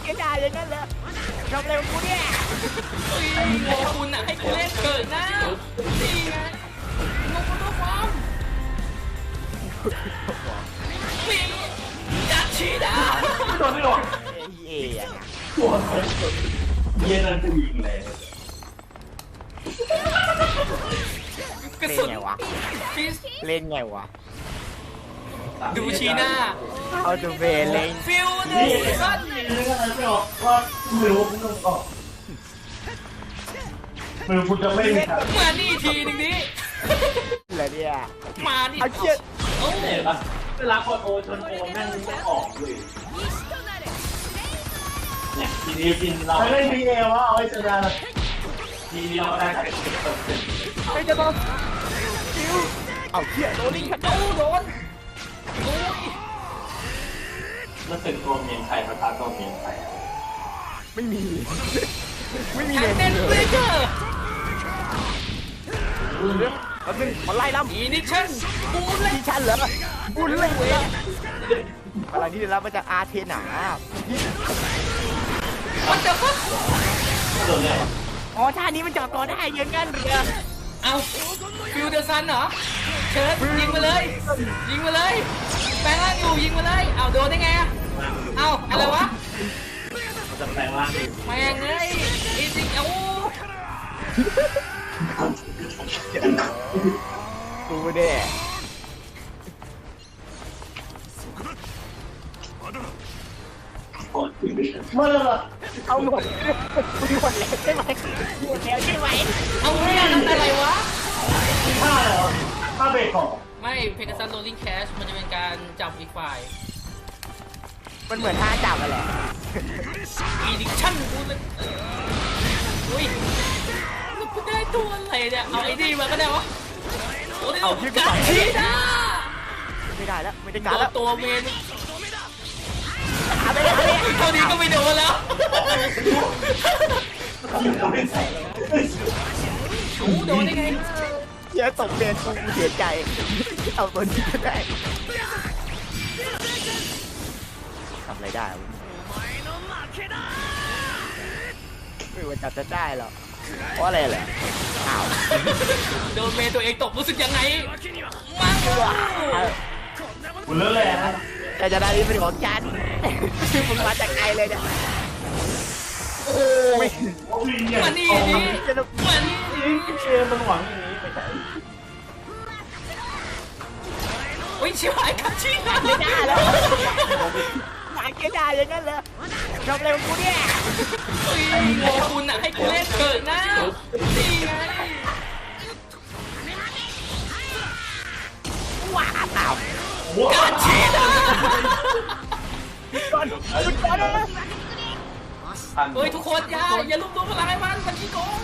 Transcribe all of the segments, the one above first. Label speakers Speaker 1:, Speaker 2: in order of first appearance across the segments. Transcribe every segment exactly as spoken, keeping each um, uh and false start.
Speaker 1: กด่าอย่างนั้นเหรอทำอะไรกับกูเนี่ย
Speaker 2: โง่คุณอ่ะให้กูเล่นเกิดนะนี่ไงโง่คุณตัวความวิ่งจัดชีดา
Speaker 3: โดนไม่โดน
Speaker 1: เย่อะ
Speaker 3: ตัวเย็นนั่นกูยิงเลย
Speaker 2: กระสุน
Speaker 1: เล่นไงวะ
Speaker 2: ฟิส
Speaker 1: เล่นไงวะ
Speaker 2: ดูชีหน้า
Speaker 1: เอาดูเบลเล่น
Speaker 2: ฟิลเด
Speaker 3: นี่
Speaker 2: อร์ซัน
Speaker 3: นี่นึกอะไรไม่ออกว่าไม่รู้มึงต้องออกไม่รู้คุณจะไม่มีทาง
Speaker 2: มานี่ทีนึงนี้
Speaker 1: อะไรเนี่ย
Speaker 2: มานี่
Speaker 1: เอาเชี่ย
Speaker 2: โอ้
Speaker 3: เห็นปะเวลาคนโอชนโอแม่งไม่ออกเลยเนี่ยทีนี้กินเราไม่ได้พีเอวะเอาไว้ชนะทีนี้เราได้แค่สิบเปอร์เซ็นต์
Speaker 1: ไม่จะต้องคิวเอาเชี่ยโดนลิงขัดโดนโดนโอ้ย
Speaker 3: มันเป็นตัวเมียนไข่ประทานตัวเมียนไข่
Speaker 1: ไม่มีไม่มี
Speaker 2: แอ
Speaker 1: เล
Speaker 2: น
Speaker 1: ย
Speaker 2: เดนเบรเกอร์
Speaker 1: เรื่องแล้วนึงขอไล่ล่ำ
Speaker 2: อีนิชั่นบูมเลย
Speaker 1: ดิฉันเหรอบุญเลยเว้ยอะไรที่ได้รับมาจากอาเทนา
Speaker 2: มันจะฟัก
Speaker 3: โดนเนี่ย
Speaker 1: อ๋อท่านี้มันจอดตัวได้ยังงั้นเหรอ
Speaker 2: เอาฟิลเดอร์ซันเหรอเชิญยิงมาเลยยิงมาเลยแปลงร่างอยู่ยิงมาเลยเอาโดนได้ไงเอาอะไรวะ
Speaker 3: มันจะแปลงร่างเอง
Speaker 2: แม่งเอ้ยอีสิเอา
Speaker 1: ดูเด้
Speaker 3: มาเลย
Speaker 1: เอาหมดหมดแล้วใช่ไหมหมดแล้วใช่ไหม
Speaker 2: เอาเนี่ยนั่นอะไรวะ
Speaker 3: ท่าเหรอท่าเบรกของ
Speaker 2: ไม่เพกาซัสโรลลิ่งแคชมันจะเป็นการจับอีกฝ่าย
Speaker 1: มันเหมือนท่าจับอะไร
Speaker 2: อีดิชั่นกูเลยอุ้ยแล้วกูได้ตัวอะไรเนี่ยเอาไอ้นี่มาก็ได้วะโอ้ยเอาการชีดา
Speaker 1: ไม่ได้แล้วไม่ได้
Speaker 2: โด
Speaker 1: การ
Speaker 2: น
Speaker 1: แล้ว
Speaker 2: ตัวเมน
Speaker 1: ไม่ได้
Speaker 2: เท่านี้ก็ไม่โดนแล้วโอ้โดนได้ไง
Speaker 1: เยอะตกเรียนกูเสียใจเอาตัวนี้ก็ได้ทำอะไรได้วะไม่ว่าจะจะได้หรอกเพราะอะไรแหละอ้าว
Speaker 2: โดนเมนตัวเองตกรู้สึกยังไงมั่ง
Speaker 3: คุณเลิกเลยนะ
Speaker 1: แต่จะได้ที่เป็นของฉันมึงมาจากไกลเลยเนี่ยโอ้ไม่
Speaker 2: มานี่นี่มานี่
Speaker 3: เชฟมันหวังอย่างนี้ไม่ใช่
Speaker 2: โอ้ยชิบหายกับชีดา
Speaker 1: ไม่ได้แล้วหมาเกด่าอย่างนั้นเหรอทำอะไรกับกูเนี่ย
Speaker 2: โง่คุณอ่ะให้กูเล่นเกิดนะนี่ไง
Speaker 1: ว้าตาม
Speaker 2: การชีดา
Speaker 1: ก่อนหยุดก่อนนะ
Speaker 2: เฮ้ยทุกคนอย่าอย่าลุกตัวพลังไอ้มันมันขี้โกง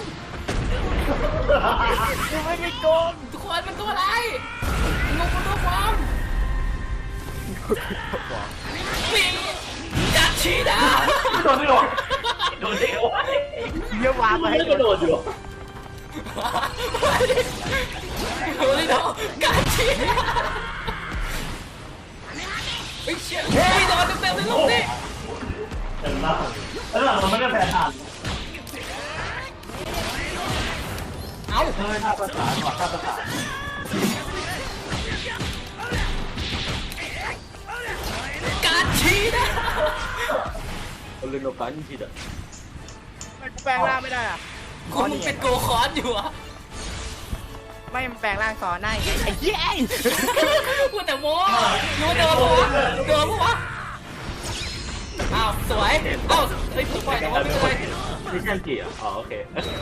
Speaker 1: กูไม่ได้โกง
Speaker 2: ทุกคนมันตัวอะไรงงตัวความวิ่งจัดชีดา
Speaker 3: โดนไม่โดนโดนเด็กวะ
Speaker 1: เยอะวางมาให้
Speaker 3: กระโดดอยู่
Speaker 2: โอ้ยโดนการชีดาไอ้เชี่ยไม่โดนเต็มๆเลยลูกนี่
Speaker 3: เต็มมากแล้วหลังมันไม่ได้แพ้ทาน
Speaker 2: เอา
Speaker 3: เฮ้ยท่าประสานว่ะท่าประสาน
Speaker 2: การชีดา
Speaker 3: คนเล่นโนกันทีเดียว
Speaker 1: มันแปลงร่างไม่ได้อะ
Speaker 2: คุณมึงเป็นโกคอนอยู่อะ
Speaker 1: ไม่มันแปลงร่างซ้อนได้ไอ้เหี้ย
Speaker 2: พูดแต่โม้รู้โดนปะวะโดนปะวะอ้าวสวยอ้าวเฮ้ยผมปล่อยแต่ว่าไม่เป็นไร
Speaker 3: นี่แค่กี่อ่ะอ๋อโอเค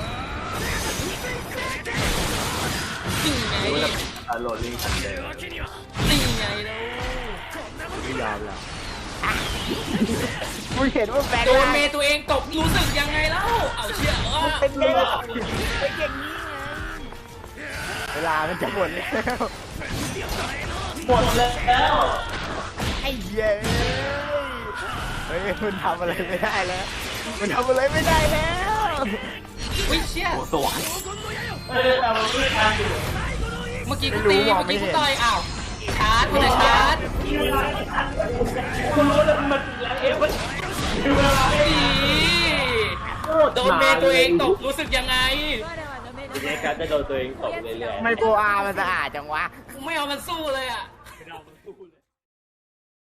Speaker 2: นี่ไง
Speaker 3: อ่าโหลดลิงก์ทันเดย์
Speaker 2: นี่ไงแล้ว
Speaker 1: ไม่ยอมแล้วมึงเห็นว่าแปลง
Speaker 2: โดน
Speaker 1: ร่าง
Speaker 2: เมย์ตัวเองตกรู้สึกยังไงแล้วเอาเชี่ยเออ
Speaker 1: เป็นไงล่ะเป็นอย่างนี้ไงเวลามันจะหมดแล้ว
Speaker 3: หมดแล้ว
Speaker 1: ไอ้เหี้ยเฮ้ยมันทำอะไรไม่ได้แล้วมันทำอะไรไม่ได้แล้ว
Speaker 2: อุ้ยเชี่ย
Speaker 3: สวรรค์เอ้ยแต่มันไม่ทันอยู่
Speaker 2: เมื่อกี้กูตีเมื่อกี้กูต่อยอ้าวชาร์จกูจะชาร์จ
Speaker 3: คุณรู้แล้วมันแล้วเอฟมันเวลา
Speaker 2: นี่โดนเมย์ตัวเองตกรู้สึกยังไง
Speaker 3: ทีนี้การจะโดนตัวเองตกเรื่อยๆ
Speaker 1: ไม่โบอามันสะอาดจังวะ
Speaker 2: กูไม่เอามันสู้เลยอ่ะ
Speaker 3: ไม่เอามันสู้เลย